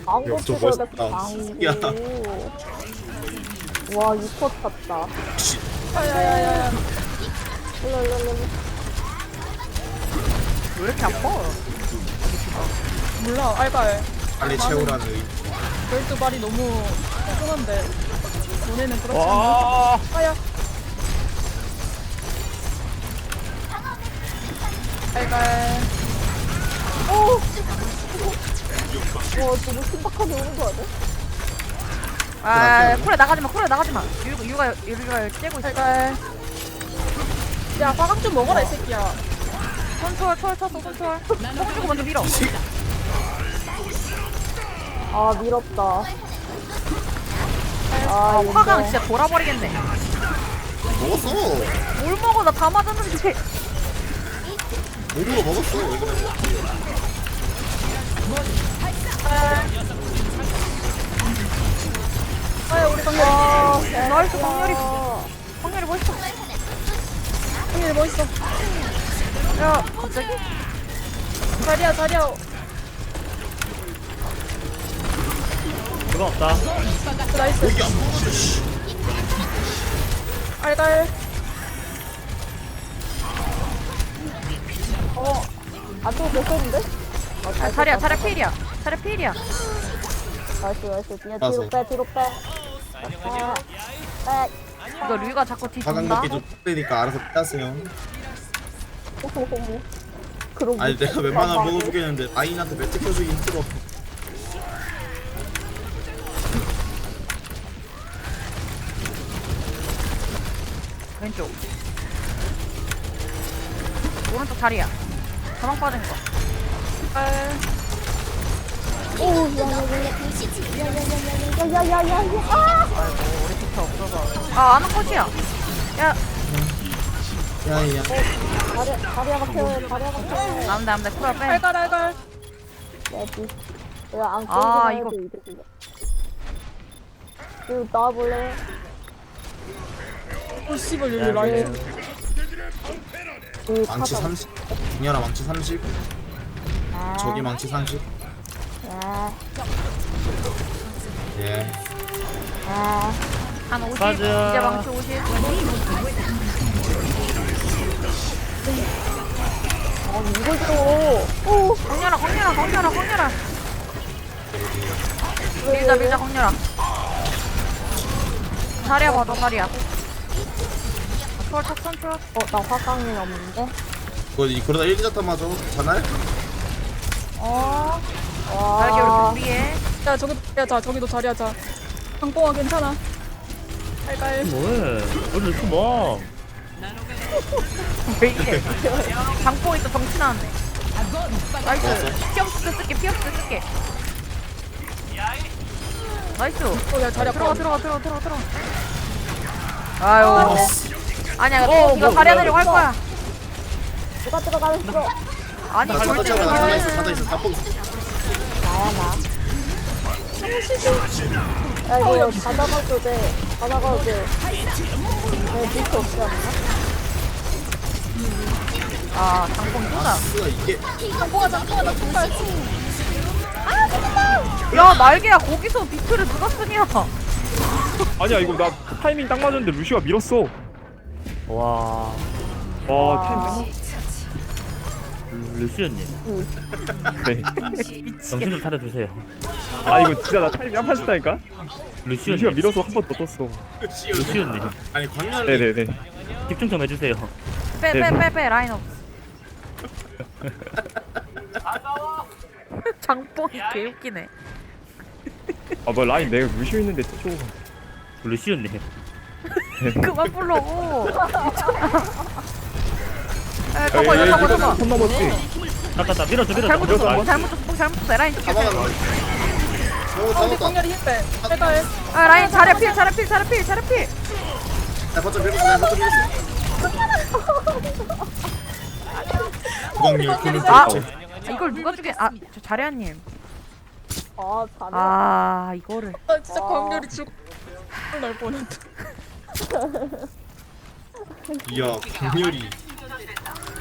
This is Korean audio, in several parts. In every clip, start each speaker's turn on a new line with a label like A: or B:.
A: 광고
B: 야, 저
A: 찍어야겠다,
B: 멋있다.
A: 광고.
B: 야.
A: 와, 6컷 탔다.
C: 야야야야.
A: 일로.
C: 왜 이렇게 아파? 몰라 알갈.
B: 빨리 채우라는 의.
C: 12발이 너무 소중한데 너네는 그렇지 않나?
D: 와.
C: 아야. 알갈.
A: 오! 와, 너무 신박하게 오는 거 아니야?
E: 아, 쿨에 나가지마, 쿨에 나가지마. 유가 째고 있어.
C: 알갈. 야 화강 좀 먹어라 이 새끼야.
E: 손초월, 초월 쳤어, 손초월. 뽕 주고 먼저 밀어.
A: 아, 미럽다.
E: 아,
A: 이거.
E: 화강 진짜 돌아버리겠네.
B: 먹었어.
E: 뭘 먹어, 나 다 맞았는데.
B: 먹은 거 먹었어. 왜 그래?
C: 아야 우리 강렬이.
E: 나이스, 광렬이. 광렬이 멋있어.
C: 강렬이 멋있어.
E: 야, 갑자기?
C: 자리야.
D: 그건 없다.
C: 나이스.
B: 여기 안 먹었어. 씨.
C: 알갈.
A: 안 또 됐었는데?
E: 아, 자리야, 자리야 필이야. 자리야 필이야.
A: 나이스. 그냥
B: 맞아.
A: 뒤로 빼. 빼.
E: 이거 류가 자꾸 뒤
B: 가강
E: 돈다.
B: 먹기 좀 뜨니까 알아서 빼세요.
A: 그럼
B: 아니 내가 웬만하면 먹어주겠는데 아인한테 매트 켜주기 힘들어.
E: 왼쪽. 오른쪽 자리야. 가방 빠진 거.
A: 오, 야야야야야야야야야야야야. 아!
E: 아이고, 우리 피터 없어서. 아, 아는 꽃이야. 야,
B: 야야.
A: 다리야 박혀.
E: 남대, 쿨 빼.
C: 알갈.
A: 야지. 내가 안
E: 아,
A: 끌기만
E: 이거.
A: 해도 이득이야. 이거 나와볼래?
C: 오 씨발 여기 라인.
A: 여기
B: 망치
A: 타다.
B: 30. 중열아 망치 30.
A: 아,
B: 저기 망치 30.
A: 아,
B: 예.
A: 아.
E: 한 50.
D: 맞아.
E: 이제 망치 50.
A: 이걸 줘. 오,
E: 광렬아. 밀자, 광렬아. 자리야 봐줘, 자리야. 초월 쳤어, 초월.
A: 나 화강이 없는데?
B: 그러다 1기자탄 맞아. 자날?
A: 와.
E: 날개 우리 준비해.
C: 야 저기도 자리야 자. 강뽕아 괜찮아. 알갈.
D: 뭐해? 오늘 이렇게 뭐?
E: 왜 이래? 장뽕 있어, 정치 나왔네. 나이스. 피업스 쓸게. 나이스.
C: 야 자리야
E: 들어가. 아유. 아니야, 이거 자리 하려고 할 거야.
A: 누가 들어가겠어?
E: 아니,
B: 나
E: 절대
B: 찾아
E: 안
B: 있어. 다 뽑.
A: 나야, 나. 야, 이거 받아가도 돼. 내 비트 없지 않나?
E: 아, 장뽕 이거다.
B: 쓰가 이게
C: 강뽕아 나 정말.
E: 야, 날개야, 거기서 비트를 누가 쓰냐?
D: 아니야 이거 나 타이밍 딱 맞았는데 루시가 밀었어. 와. 와 타이밍. 루시언님. 네. 정신 좀 차려주세요. 아 이거 진짜 나 타이밍 한 판 쓰다니까. 루시가 밀어서 한 번 더 떴어. 루시언님.
B: 아니 광렬이.
D: 네네네. 집중 좀 해주세요.
E: 빼, 라인 없어. 장뽕이 개웃기네.
D: 아 뭐 라인 내가 루시오 있는데 쳐. 루시언님.
E: 그만 불러고. 에, 잡아.
D: 손 넘었지. 나따 밀어줘.
E: 잘못 줬어. 라인 좀
B: 잡아가.
E: 빼.
B: 오
C: 우리
B: 잡았다.
C: 강렬이 힘 빼. 알갈.
E: 아, 라인 자리야 필.
B: 나 버튼 밀었어. 구강렬 굴을
E: 아,
B: 줬지.
E: 이걸 누가 주게? 아, 저 자리아님.
A: 잘해.
E: 아, 이거를.
C: 아 진짜 강렬이 죽. 날 뻔했다.
B: 이야 강렬이.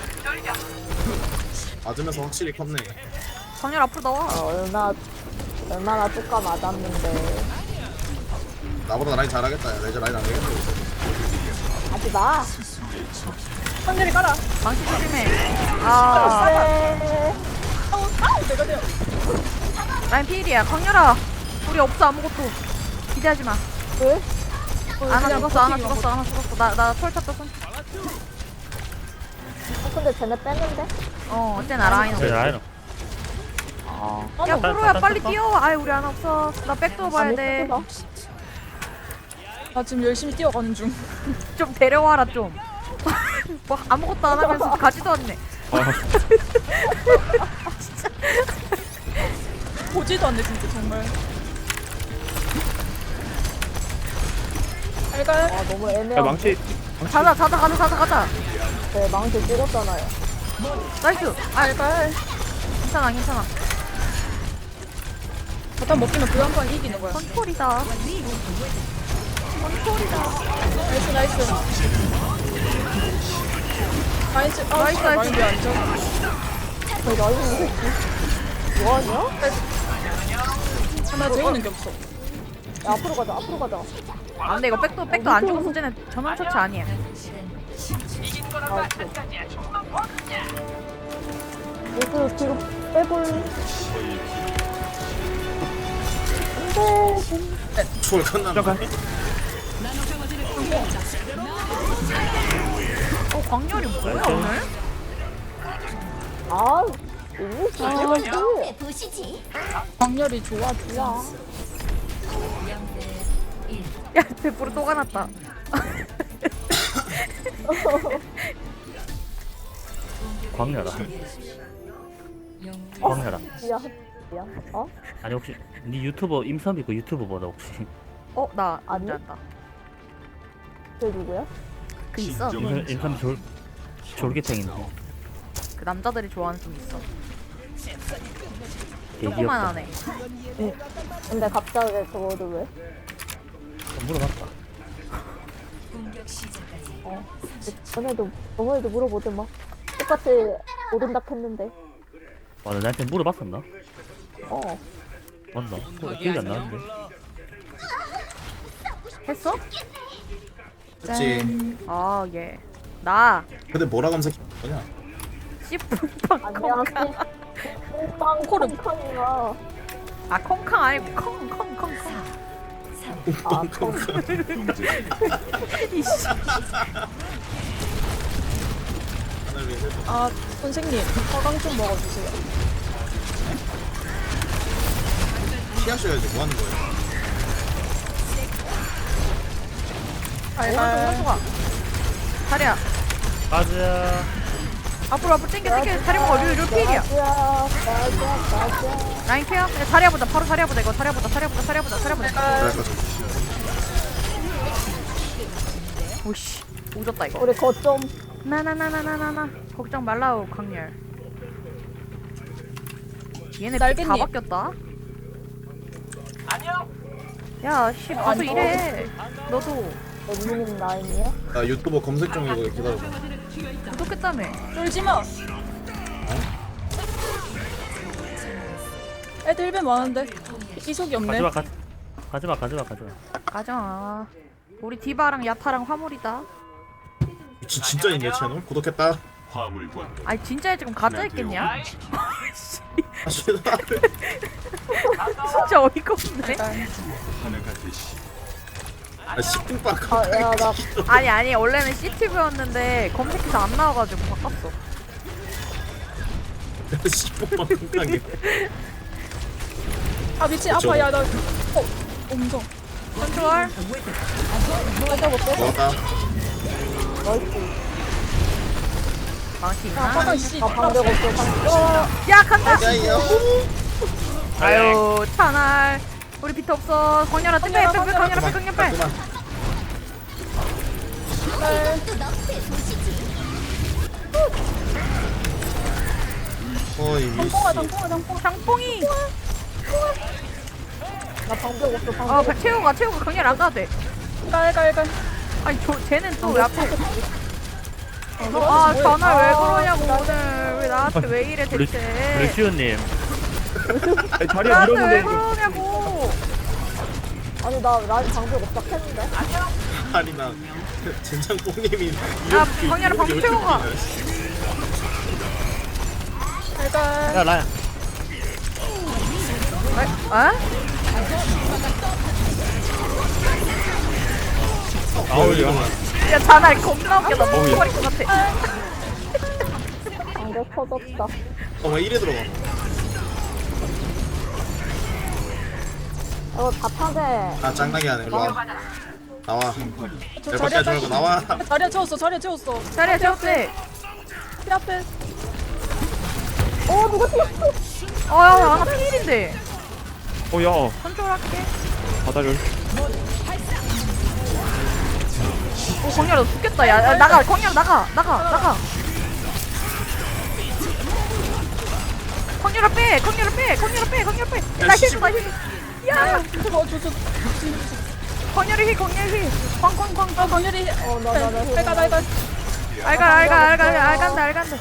B: 맞으면서 확실히 컸네.
E: 정렬 앞으로 나와.
A: 얼마 얼마나 뚜까 맞았는데.
B: 나보다 라인 잘하겠다. 야, 레저 라인 안 하겠다.
A: 하지 마.
C: 확률이 깔아.
E: 망치 조심해. 아,
A: 네.
C: 내가 돼요.
E: 라인 피일이야. 광렬아, 우리 없어 아무것도. 기대하지 마.
A: 왜?
E: 아나
C: 그냥
E: 죽었어, 아나
C: 버티기만
E: 죽었어, 아나 죽었어. 나철 탔다 손.
A: 근데 쟤네 뺐는데?
E: 어쨌나 라인 없어.
D: 그래 라인
E: 야 프로야 빨리
D: 땄다.
E: 뛰어. 아이 우리 안 없어. 나 백도어 봐야 돼.
C: 나 지금 열심히 뛰어가는 중.
E: 좀 데려와라 좀. 뭐 아무것도 안 하면서 가지도 않네.
C: 보지도 않네 진짜 정말. 알갈.
A: 아, 너무
D: 야
A: 애매한.
D: 망치
E: 가자.
A: 네, 망치 찍었잖아요.
E: 나이스.
C: 알갈.
E: 괜찮아.
C: 일단 먹기면 그 한 판 이기는 거야.
E: 컨트롤이다.
C: 나이스 나이스. 나이스. 아,
E: 나이스,
C: 씨발,
E: 나이스.
C: 마인드 안 좋아.
A: 저희 나이스 새끼. 뭐하냐?
C: 하나 재우는 게 없어.
A: 야, 앞으로 가자.
E: 아 근데 이거 백도 안 죽어서 쟤는 전원 처치 아니야.
A: 아, 이거 뒤로 빼볼. 안돼.
B: 초월 칸나.
E: 광렬이 뭐야 오늘?
A: 아, 너무 잘하지.
C: 광렬이 좋아.
E: 야 100% 또 가났다.
D: 광렬아
A: 미안. 어?
D: 아니 혹시 네 유튜버 임선비 그 유튜버 보다 혹시
E: 나
A: 아니?
E: 뭔지 안다.
A: 쟤 누구야?
E: 그 있어.
D: 임선비 졸개탱인데
E: 그 남자들이 좋아하는 좀 있어.
D: 되게
E: 조그만
D: 귀엽다.
E: 하네.
A: 근데 갑자기 저거를 왜?
D: 물어봤다.
A: 저번에도 물어보더만. 막 똑같이 모른다 했는데.
D: 와, 너 나한테 물어봤었나?
A: 어.
D: 맞나? 기억이 안 나는데.
E: 했어?
B: 그치.
E: 아 예. 나
B: 근데 뭐라 검색해? 뭐냐?
E: 씨뿔빵
A: 안녕하세요.
E: 콩캉.
A: 빵코르팡이가.
E: 아 콩캉 아니고 콩콩콩콩.
A: 아, 콩.
E: 이씨.
C: 아 선생님 화강 좀 먹어주세요.
B: 피하셔야지. 뭐 하는 거예요?
E: 오른쪽 오른쪽아. 다리야.
D: 가자.
E: 앞으로 땡겨 다리 먹어. 류 필이야.
A: 맞아.
E: 라인 케어. 야, 다리야 보자. 바로 다리야 보자. 이거 다리야 보자.
B: 그럴까 좀.
E: 오씨. 오졌다 이거.
A: 우리 거점.
E: 나나나나나나나. 걱정 말라우 강렬. 얘네
C: 날개님.
E: 다 바뀌었다. 야, 씨, 가서 일해. 너도
A: 엠미님 라인이야?
B: 나 유튜버 검색 중이고 기다려.
E: 구독했다며.
C: 쫄지 마. 애들 1배 많은데 이속이 없네.
D: 가지마.
E: 가자. 우리 디바랑 야타랑 화물이다.
B: 진짜 있네 채널? 구독했다.
E: 아니 진짜 지금 가짜 있겠냐?
B: 아 싫다.
E: 진짜 어이가 없네.
B: 아 10분밖.
A: 아, 야, 나
E: 아니 원래는 CTV였는데 검색해서 안 나와가지고 바꿨어.
B: 10분만 콩탕이.
C: 아 미친 아파. 야 나 엄청.
E: 컨트롤.
B: 먹었다.
A: 나이스.
E: 망치 있나?
C: 화강 씨.
A: 아, 방벽 없어, 방벽.
E: 야 간다.
B: 야야.
E: 아유 차날. 우리 비트 없어. 광렬아 빼. 광렬아 빼.
B: 그만. 어이 미씨.
E: 장뽕이.
A: 나 방벽 없어, 방벽.
E: 채우가 광렬 안 가도 돼.
C: 깔깔깔.
E: 아니 쟤는 또 왜 앞에. 아 전화 왜 그러냐고 오늘 왜 나한테 왜 이래 대체.
D: 루시오님 아니, 자리가
E: 나한테 왜
D: 밀었는데.
E: 그러냐고.
A: 아니 나 라인 방벽 없다 했는데.
B: 아니 나 젠장 뽕님이
E: 야, 광야를 방금 채워 가.
C: 일단
D: 야, 라야.
E: 어?
D: 아우, 야.
E: 야, 자날 겁나 웃겨. 나
D: 어우, 야.
E: 똥버릴 것 같아.
A: 방벽 터졌다.
B: 어왜 이래 들어가
A: 이거 다 타게.
B: 아 짱나게 하네 일로 와 나와
C: 저
B: 열받게 하지 말고 나와
C: 자리야 채웠어. 자리야 채웠어.
E: 자리야, 채웠대.
C: 피 앞에.
A: 누가 뛰었어?
E: 야, 하나 필인데.
D: 야.
E: 컨트롤할게.
D: 바다를.
E: 광야 너 죽겠다. 야, 나가. 광야 나가. 나가. 광야를 빼. 나 힐, 나 힐. 야,
C: 저.
E: 광야를 힐. 광.
C: 강렬이.
A: 나
C: 내가.
E: 알간다.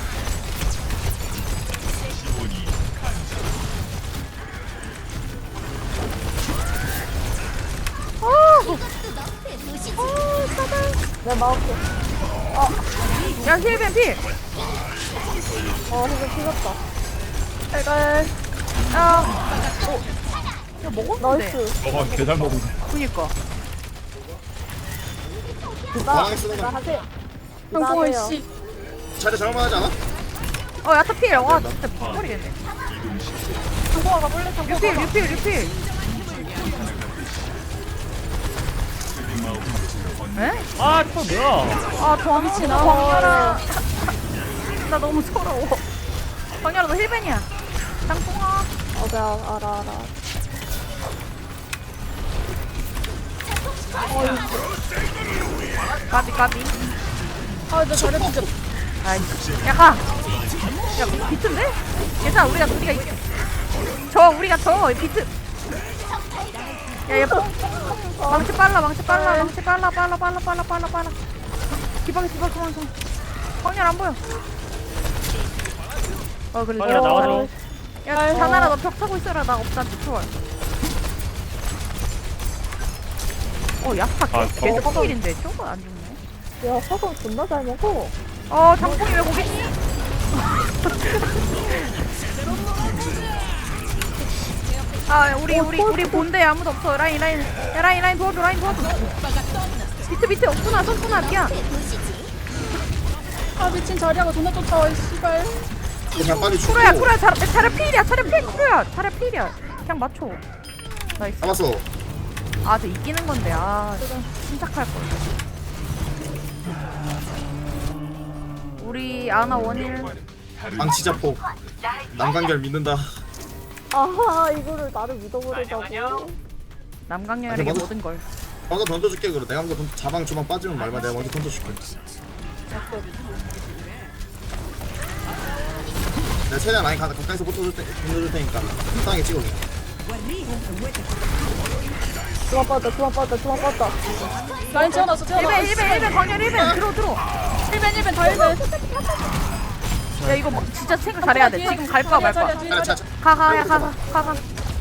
A: 내 마우스.
E: 야, 힐벤 필.
A: 이거 튀겼다.
C: 내가.
E: 야, 먹었는데.
A: 나이스.
D: 개잘 먹은.
E: 그니까.
B: 방황에 쓰는
A: 나
B: 거
A: 하지.
C: 형공원
A: 하세요.
C: 씨.
B: 자리 잘못하지 않아?
E: 야타 필. 와, 진짜 버리겠네.
C: 형공원 가볼래? 형공원.
E: 리필. 에?
D: 아, 저 뭐야?
E: 더 미치나. 광열아. 나 너무 서러워. 광열아, 너 힐벤이야. 땅콩아.
A: 내가 알아.
E: 까비.
C: 나 자리야 진짜.
E: 아이씨. 야, 가. 야, 비트인데? 괜찮아, 우리가 이겨. 우리가 비트. 야, 얘 망치 빨라. 기박이 그만. 광열 안 보여. 그래.
D: 광열아, 나와줘.
E: 야, 자나라, 너 벽 타고 있어라. 나 없다, 초월. 야타
D: 아,
E: 계속 필인데 저거 안 죽네.
A: 야 화성 존나 잘 먹어.
E: 장풍이 왜 거기 있니? 우리 본대 아무도 없어. 라인 도와줘. 비트 없구나. 손구나 미안.
C: 미친 자리야가 존나 쫓아와 이 씨발.
B: 그냥 빨리 죽고
E: 쿠로야 차려 필이야. 차려 필이야. 그냥 맞춰. 나이스.
B: 잡았어
E: 저 이기는 건데. 침착할 걸. 우리 아나 원일.
B: 망치자폭 남간결 믿는다
A: 아하 이거를 나를 믿어버리자고.
E: 남강렬에게
B: 맞아.
E: 모든 걸.
B: 먼저 던져줄게 그래 내가 먼저 자방 주방 빠지면 말마 내가 먼저 던져줄게 내가 최대한 라인 가까이서 붙어줄 테니까 땅에 찍어줘
A: 주방 빠졌다.
C: 라인 채워놨어.
E: 1벤 광렬 1벤 들어.
C: 1벤 다 1벤.
E: 야 이거 진짜 생각 잘해야 돼. 지금 갈 거야 말 거야.
B: 자
E: 가.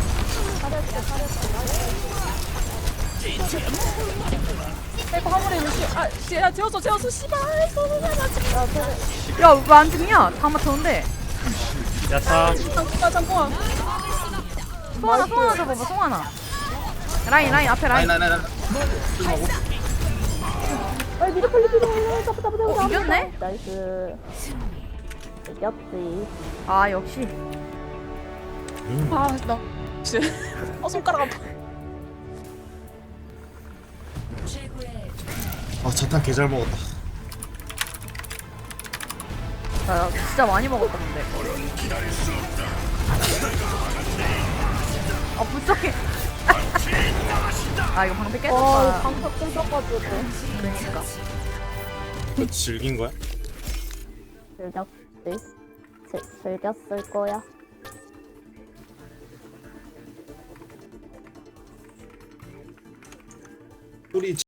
C: 이거 화물에 루시. 야 채웠어. 씨발.
E: 야 왜 안 죽냐? 다 맞췄는데.
D: 야타.
C: 잠깐만.
E: 송하나 잡아봐 송하나. 라인 앞에 라인.
B: 라인 조심하고
A: 미드 잡아.
E: 이겼네?
A: 나이스. 이겼지.
E: 역시.
C: 나. 손가락 아파.
B: 자탄 개 잘 먹었다
E: 나 진짜 많이 먹었다 근데. 무섭게. 이거 방패 깼었다.
A: 방석 뜯어가지고.
E: 그러니까.
B: 너 즐긴 거야?
A: 즐겼을 거야.
B: 우리